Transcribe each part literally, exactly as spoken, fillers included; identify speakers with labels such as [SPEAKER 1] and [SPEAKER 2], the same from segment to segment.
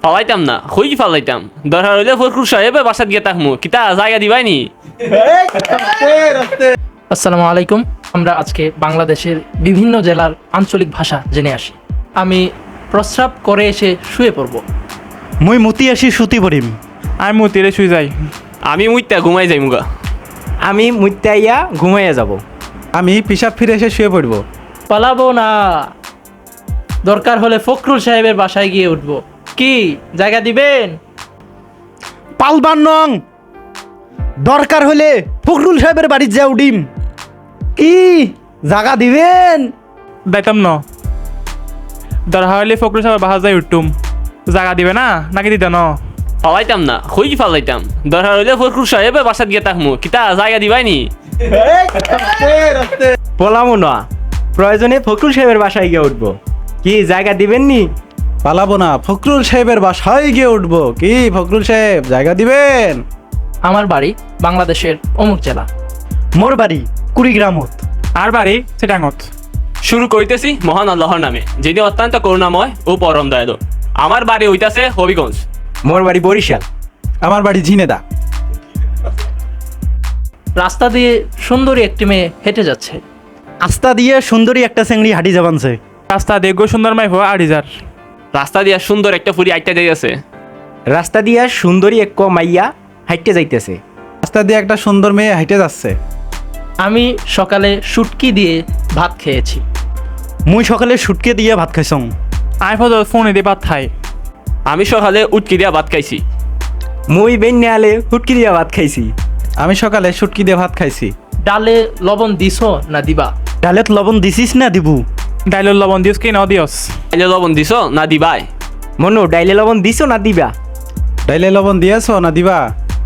[SPEAKER 1] ফালাইতাম না হই ফালাইতাম দরকার হইলে ফখরুল সাহেব বাসাত গিয়ে তাকমু কিতা জায়গা দিবাই নি।
[SPEAKER 2] আসসালামু আলাইকুম। আমরা আজকে বাংলাদেশের বিভিন্ন জেলার আঞ্চলিক ভাষা জেনে আসি। আমি প্রস্রাব করে এসে শুয়ে পড়ব।
[SPEAKER 3] মুই মুতি আসি সুতি পড়িম।
[SPEAKER 4] আমি মতিরে শুই যাই।
[SPEAKER 1] আমি মুইতা ঘুমাই যাই মুগা।
[SPEAKER 5] আমি মুত্তাইয়া ঘুমাইয়া যাব।
[SPEAKER 3] আমি পিসাব ফিরে এসে শুয়ে পড়ব।
[SPEAKER 2] পালাবো না, দরকার হলে ফখরুল সাহেবের বাসায় গিয়ে উঠব। কি জায়গা দিবেন?
[SPEAKER 3] পালবার নং, দরকার হলে ফখরুল সাহেবের বাড়ি যা উডিম। কি জায়গা দিবেন?
[SPEAKER 4] দাইতাম ন দরকার হলে ফখরুল সাহেব বাসা যাই উঠতুম। জায়গা দিবে না নাকি দিত ন?
[SPEAKER 1] ফালাইতাম না হই ফালাইতাম দরকার হইলে ফখরুল সাহেব বাসাত গিয়ে তাকমু কিতা জায়গা দিবাই নি।
[SPEAKER 5] পলামো না, প্রয়োজনে ফখরুল সাহেবের বাসায় গিয়ে উঠবো। কি জায়গা দিবেন নি?
[SPEAKER 3] পালাবো না, ফখরুল সাহেবের বাসায় গিয়ে উঠবো। কি ফখরুল সাহেব জায়গা দিবেন?
[SPEAKER 2] আমার বাড়ি বাংলাদেশের অমুক জেলা।
[SPEAKER 3] মোর বাড়ি কুড়িগ্রামত।
[SPEAKER 4] আর বাড়ি চিটাঙত।
[SPEAKER 1] শুরু করিতেছি মহান আল্লাহর নামে, যিনি অত্যন্ত করুণাময় ও পরম দয়ালু। আমার বাড়ি হইতাছে হবিগঞ্জ।
[SPEAKER 5] মোর বাড়ি বরিশাল।
[SPEAKER 3] আমার বাড়ি ঝিনেদা।
[SPEAKER 2] রাস্তা দিয়ে সুন্দরী একটি মেয়ে হেঁটে যাচ্ছে।
[SPEAKER 3] আস্তা দিয়ে সুন্দরী একটা চেংড়ি হাঁটি যাবানছে।
[SPEAKER 4] রাস্তা দেখো সুন্দর মাইফ আড়িজার।
[SPEAKER 1] রাস্তা দিয়া সুন্দর একটা ফুরি আইটা যাইতেছে।
[SPEAKER 5] রাস্তা দিয়া সুন্দরী এক মাইয়া হাইটে যাইতেছে।
[SPEAKER 3] রাস্তা দিয়ে একটা সুন্দর মেয়ে হাঁটে যাচ্ছে।
[SPEAKER 2] আমি সকালে শুটকি দিয়ে ভাত খেয়েছি।
[SPEAKER 3] মুই সকালে সুটকে দিয়ে ভাত খাইছং।
[SPEAKER 4] আমি ফটো ফোনে দিয়ে ভাত খাই।
[SPEAKER 1] আমি সকালে উটকি দিয়া ভাত খাইছি।
[SPEAKER 5] মুই বেন নেয়ালে হুটকি দিয়া ভাত খাইছি।
[SPEAKER 3] আমি সকালে সুটকি দিয়ে ভাত খাইছি।
[SPEAKER 2] ডালে লবণ দিছো না দিবা?
[SPEAKER 3] ডালেত লবণ দিছিস না দিবু?
[SPEAKER 4] ডাইলের লবণ দিস কি ন দিয়স?
[SPEAKER 1] তাইলে লবণ দিছ না দিবাই?
[SPEAKER 5] মনু ডাইলে লবণ দিছো না দিবা?
[SPEAKER 3] ডাইলে লবণ দিয়েছ না দিবা?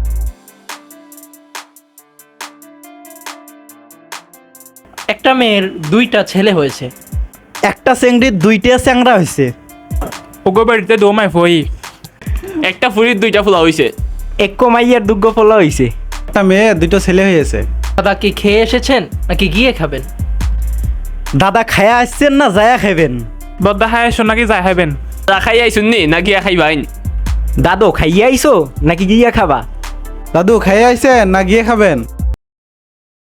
[SPEAKER 2] একটা মেয়ের দুইটা ছেলে হয়েছে।
[SPEAKER 3] একটা চেংড়ির দুইটা চ্যাংড়া হয়েছে।
[SPEAKER 4] ওগো বাড়িতে দো মাইফ হই।
[SPEAKER 1] একটা ফুরির দুইটা ফুলা হইছে।
[SPEAKER 5] এক মাইয়ার দুগ্গ ফলা হইছে।
[SPEAKER 3] একটা মেয়ে দুটো ছেলে হয়েছে।
[SPEAKER 2] দাদা কি খেয়ে এসেছেন নাকি গিয়ে খাবেন?
[SPEAKER 3] দাদা খায়া আসছেন না যায়া খাবেন?
[SPEAKER 4] বদ্দা খাই আসো নাকি যাই খাইবেন?
[SPEAKER 1] খাই আইসুন নি না গিয়া খাইবাইন?
[SPEAKER 5] দাদু খাইয়া আইছো নাকি গিয়া খাবা?
[SPEAKER 3] দাদু খাইয়া আইছেন না গিয়ে খাবেন?